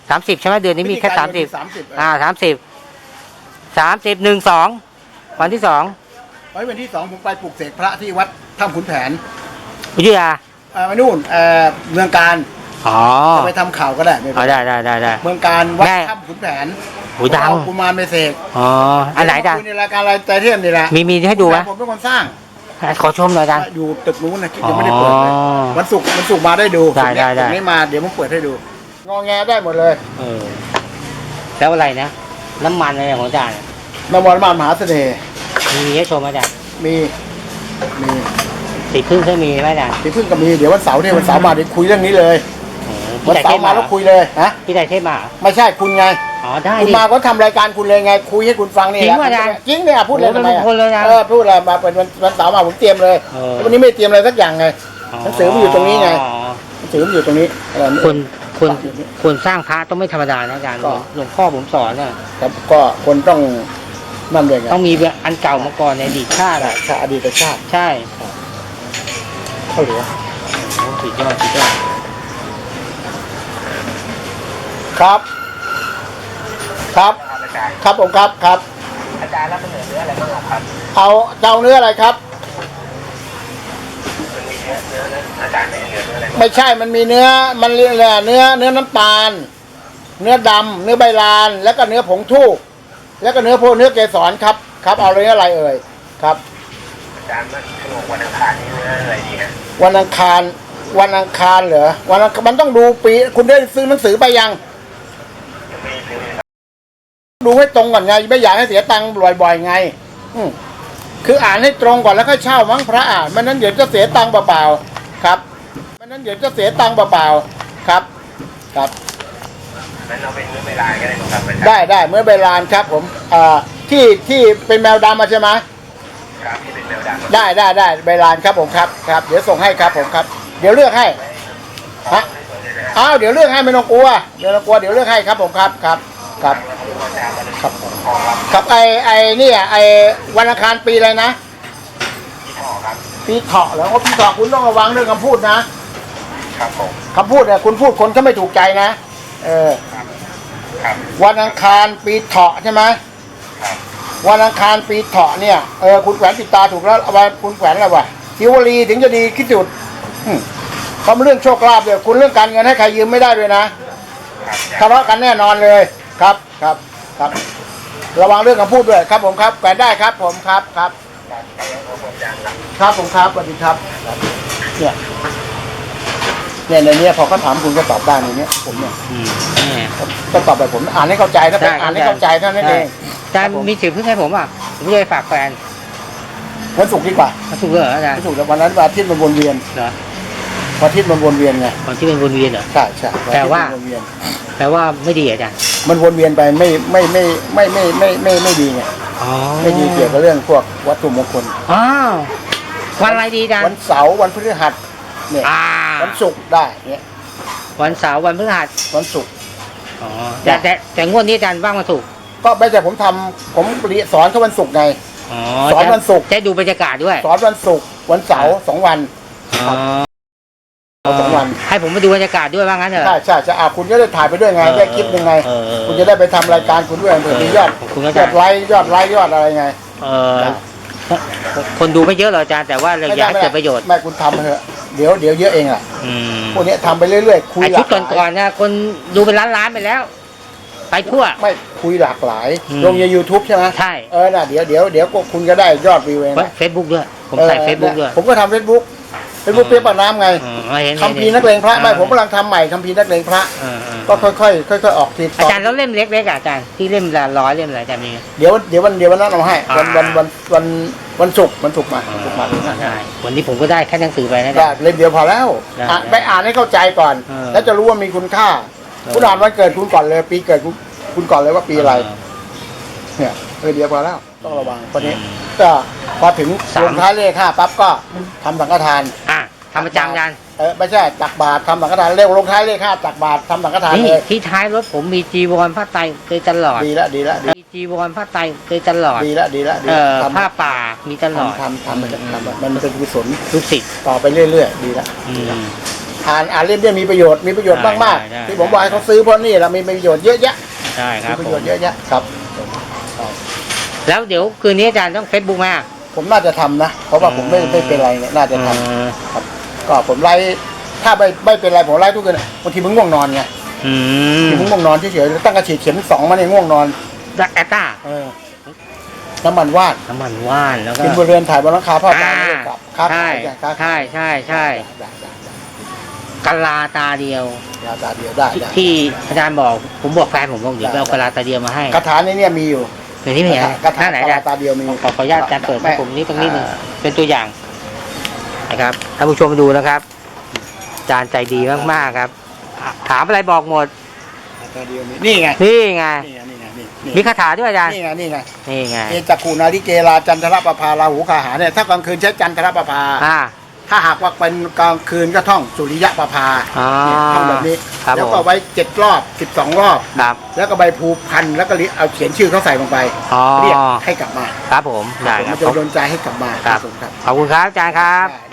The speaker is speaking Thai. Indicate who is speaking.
Speaker 1: 30ใช่ไหมเดือนนี้มีแค่30 30 วันที่ 2
Speaker 2: วันที่ 2ผมไปปลุกเสกพระที่วัดถ้ำขุนแผน
Speaker 1: อยุธยา
Speaker 2: มานู่นเมืองการจะไปทำข่าวก็ได้
Speaker 1: ได้
Speaker 2: เมืองการวัดถ้ำขุนแผน
Speaker 1: ดัง
Speaker 2: กุมารไปเสก
Speaker 1: อันไหนดัง
Speaker 2: ในรายการอะไรใจเทียมนี่แหละ
Speaker 1: มีให้ดูไหม
Speaker 2: ผมเป็นคนสร้าง
Speaker 1: ขอชมหน่อยดัง
Speaker 2: อยู่ตึกนู้นนะยังไม่ได้เปิดเลยวันศุกร์มาได้ดูได้ไม่มาเดี๋ยวผมเปิดให้ดูงอแงได้หมดเลย
Speaker 1: แล้วอะไรนะน้ำมันอะไรของอาจารย์
Speaker 2: น้ำมันมหาเสน่ห์
Speaker 1: มีให้ชมอาจารย์
Speaker 2: มี
Speaker 1: สีพึ่งเคยมีไหมอาจารย์
Speaker 2: สีพึ่งก็มีเดี๋ยววันเสาร์มาเดี๋ยวคุยเรื่องนี้เลยวันเสาร์มาแล้วคุยเลยฮะ
Speaker 1: พี่ได้เทพมา
Speaker 2: ไม่ใช่คุณไง
Speaker 1: ได้
Speaker 2: คุณมาก็ทำรายการคุณเลยไงคุยให้คุณฟังนี่
Speaker 1: จริงว่าอาจารย์
Speaker 2: จริงเนี่ยพูดเลยทำไมพูดอะไรมาเป็นวันเสาร์มาผมเตรียมเลยวันนี้ไม่เตรียมอะไรสักอย่างไงหนังสือมันอยู่ตรงนี้ไงหนังสือมันอยู่ตรงนี้
Speaker 1: คนสร้างพระต้องไม่ธรรมดานะอาจารย์หลวงพ่อผมสอน
Speaker 2: ครับก็คนต้องนั่นเลยไง
Speaker 1: ต้องมีอันเก่ามาก่อนในอดีตชาติ
Speaker 2: อดีตชาติ
Speaker 1: ใช่
Speaker 2: เขาเหลือ
Speaker 1: สุดยอด
Speaker 2: ครับผมครับ
Speaker 1: อาจารย์รับเนื้ออะไรบ้างครับ
Speaker 2: เอาเจ้าเนื้ออะไรครับ
Speaker 1: อาจารย์ไม่เนื้ออะไร
Speaker 2: ไม่ใช่มันมีเนื้อมันเรียกเนื้อน้ำตาลเนื้อดำเนื้อใบลานแล้วก็เนื้อผงทูบแล้วก็เนื้อเกสรครับเอาเนื้ออะไรเอ่ยครับ
Speaker 1: อาจารย์วันอังคารนี้เนื้ออะไรดีฮะ
Speaker 2: วันอังคารเหรอมันต้องดูปีคุณได้ซื้อหนังสือไปยังดูให้ตรงก่อนไงไม่อยากให้เสียตังค์บ่อยๆไงคืออ่านให้ตรงก่อนแล้วค่อยเช่ามั้งพระอ่านไม่นั้นเดี๋ยวจะเสียตังค์เปล่าๆครับไม่นั้นเดี๋ยวจะเสียตังค์เปล่าๆครับ
Speaker 1: งั้นเราเป็นเมื่อเวลาก็ได้ครับ
Speaker 2: ได้เมื่อเวลาครับผมที่เป็นแมวดำมาใช่ไหม
Speaker 1: ครับที่เป็นแมวดำ
Speaker 2: ได้เวลาครับผมครับเดี๋ยวส่งให้ครับผมครับเดี๋ยวเลือกให้ฮะเดี๋ยวเลือกให้ไม่ต้องกลัวเดี๋ยวเลือกให้ครับผมครับไอ้นี่ไอ้วันอังคารปีอะไรนะปีเถาะแล้วก็ปีเถาะคุณต้องระวังเรื่องคำพูด
Speaker 1: นะครับผม
Speaker 2: คำพูดเนี่ยคุณพูดคนก็ไม่ถูกใจนะวันอังคารปีเถาะใช่ไหมวันอังคารปีเถาะเนี่ยคุณแขวนปิดตาถูกแล้ววันคุณแขวนอะไรวะทิวรีถึงจะดีคิดจุดความเรื่องโชคลาภเนี่ยคุณเรื่องการเงินให้ใครยืมไม่ได้ด้วยนะทะเลาะกันแน่นอนเลยครับระวังเรื่องคำพูดด้วยครับผมครับแขวนได้ครับผมครับผมครับสวัสดีครับเนี่ยในนี้พอเขาถามคุณก็ตอบได้ในนี้ผมเนี่ยก็ตอบแบบผมอ่านให้เข้าใจถ้าเป็นอ่านให้เข้าใจเท่านั้นเอง
Speaker 1: อาจารย์มีสื่อเพิ่งให้ผมผมจะไปฝากแฟน
Speaker 2: วันศุกร์ดีกว่า
Speaker 1: วันศุกร์เหรออาจารย์
Speaker 2: วันศุกร์วันนั้นวันอาทิตย์มันวนเวียน
Speaker 1: เหรอ
Speaker 2: วันอาทิตย์มันวนเวียนไง
Speaker 1: วันที่มันวนเวียนเหรอ
Speaker 2: ใช่
Speaker 1: แปลว่าไม่ดีอาจารย์
Speaker 2: มันวนเวียนไปไม่ดีไงไม่ดีเกี่ยวกับเรื่องพวกวัตถุมงคล
Speaker 1: วันอะไรดีอาจารย์
Speaker 2: วันเสาร์วันพฤหัสเนี่ยวันศุกร์ได้เนี่ย
Speaker 1: วันเสาร์วันพฤหัส
Speaker 2: วันศุกร์
Speaker 1: แต่งวดนี้อาจารย์ว่างวันศุกร์
Speaker 2: ก็ไม่ใช่ผมสอนเขาวันศุกร์ไงสอนวันศุกร์
Speaker 1: จะดูบรรยากาศด้วย
Speaker 2: สอนวันศุกร์วันเสาร์2 วัน2 วัน
Speaker 1: ให้ผมมาดูบรรยากาศด้วยว่างั้นเหรอ
Speaker 2: ใช่คุณจะได้ถ่ายไปด้วยไงได้คลิปยังไงคุณจะได้ไปทำรายการคุณด้วยเผื่อมียอดไลค์ยอดอะไรไง
Speaker 1: คนดูไม่เยอะหรอกอาจารย์แต่ว่าเราอยากเกิดประโยชน์
Speaker 2: ไม่คุณทำเถอะเดี๋ยวเยอะเองพวกนี้ทำไปเรื่อยๆคุย
Speaker 1: ชุดก่อนนะคนดูเป็นล้านไปแล้วไปทั่ว
Speaker 2: ไม่คุยหลากหลายลงใน YouTube ใช่ไหม
Speaker 1: ใช่
Speaker 2: น่ะเดี๋ยวคุณก็ได้ยอดวิวเอง
Speaker 1: เฟซบุ๊กด้วยผมใส่เฟซบุ๊กด้วย
Speaker 2: ผมก็ทำเฟซบุ๊กเปียกปากน้ำไงคัมภีร์นักเลงพระไม่ผมกำลังทำใหม่คัมภีร์นักเลงพระก็ค่อยออกที
Speaker 1: อาจารย์แล้วเล่มเล็กๆอาจารย์ที่เล่มละ100เล่มอะไรอาจารย์มี
Speaker 2: เดี๋ยววันนั้นเอาให้วันศุกร์มา
Speaker 1: ใช่วันนี้ผมก็ได้แค่หนังสือไปนะ
Speaker 2: เล่มเดียวพอแล้วไปอ่านให้เข้าใจก่อนแล้วจะรู้ว่ามีคุณค่าคุณอ่านวันเกิดคุณก่อนเลยปีเกิดคุณก่อนเลยว่าปีอะไรเนี่ยเดียวพอแล้วต้องระวังคนนี้ก็พอถึงลงท้ายเลข5ปั๊บก็ทำสังฆทาน
Speaker 1: ทำประจำกัน
Speaker 2: ไม่ใช่ตักบาตรทำสังฆทานเร็วลงท้ายเลข5ตักบาตรทำสังฆทานเลย
Speaker 1: ที่ท้ายรถผมมีจีวรผ้าไตรเคยตลอด
Speaker 2: ดีละ
Speaker 1: มีจีวรผ้าไตรเคยตลอด
Speaker 2: ดีละ
Speaker 1: ผ้าป่ามีตลอด
Speaker 2: ทำมันเป็นกุศล
Speaker 1: ลูกศิษย์
Speaker 2: ต่อไปเรื่อยๆดีละ
Speaker 1: อ
Speaker 2: อ่านเล่มเนี่ยมีประโยชน์มาก
Speaker 1: ได้
Speaker 2: ๆที่ผมบอกให้เขาซื้อเพราะนี่เรามีประโยชน์เยอะแยะ
Speaker 1: ใช่ครับ
Speaker 2: มีประ
Speaker 1: ผ
Speaker 2: โย
Speaker 1: ม
Speaker 2: ชน์เยอะแยะครับ
Speaker 1: แล้วเดี๋ยวคืนนี้อาจารย์ต้องเฟซบุ๊กไหม
Speaker 2: ผมน่าจะทำนะเพราะว่าผมไม่เป็นไรเนี่ยน่าจะทำครับก็ผมไลฟ์ถ้าไม่เป็นไรผมไลฟ์ทุกคืนบางทีมึงง่วงนอนไง
Speaker 1: อืม
Speaker 2: ทีมึงง่วงนอนเฉยๆตั้งกระฉีดเข็ม2มาเนี่ยง่วงนอน
Speaker 1: แอตตา
Speaker 2: น้ำมันว่าน
Speaker 1: น้ำมันว่านแล้วก็
Speaker 2: กินบนเรือนถ่ายบนหลังคาผ้าตาไม่ได้กลับค้า
Speaker 1: ใช่
Speaker 2: ขายกันค้า
Speaker 1: ใช่ใช่ใช่กะลาตาเดียว
Speaker 2: ยาตาเดียวได้
Speaker 1: ที่อาจารย์บอกผมบอกแฟนผมบอกเดี๋ยวไปเอากะลาตาเดียวมาให้
Speaker 2: คาถาในเนี่ยมีอยู่
Speaker 1: เดี๋ยวนี้มีอะไร
Speaker 2: คาถา
Speaker 1: หน้าไหนอาจารย์
Speaker 2: ตาเดียวมี
Speaker 1: ขออนุญาตอาจารย์เปิดให้ผมนี่ตรงนี้หนึง
Speaker 2: อ่า
Speaker 1: เป็นตัวอย่างนะครับท่านผู้ชมดูนะครับอาจารย์ใจดีมากๆครับ ถามอะไรบอกหมด
Speaker 2: ตาเดียวมีนี่ไง
Speaker 1: นี่ไง
Speaker 2: นี่ไงนี่ไงนี่
Speaker 1: มีคาถาด้วยอาจารย์
Speaker 2: นี่ไงนี่ไง
Speaker 1: นี่ไง
Speaker 2: เอจักขุนาริเกลาจันทรประภาราหูคาหาเนี่ยถ้ากลางคืนใช้จันทรประภา ถ้าหากว่าเป็นกลางคืนก็ท่องสุริยะประภา
Speaker 1: อ๋อ
Speaker 2: เนี่ยท่องแบบนี้
Speaker 1: ครับ
Speaker 2: แล้ว
Speaker 1: ผ
Speaker 2: ก็
Speaker 1: ม
Speaker 2: ไว้7 รอบ 12 รอบ
Speaker 1: ครับ
Speaker 2: แล้วก็ใบพลูพันแล้วก็เอาเขียนชื่อเขาใส่ลงไป
Speaker 1: อ๋อ
Speaker 2: เรียกให้กลับมา
Speaker 1: ครับผมได้ค
Speaker 2: มั
Speaker 1: รั
Speaker 2: น
Speaker 1: บ
Speaker 2: จะโดนใจให้กลับมา
Speaker 1: ครับ
Speaker 2: ครับ
Speaker 1: ขอบคุณครับอาจารย์ครับ
Speaker 2: ได้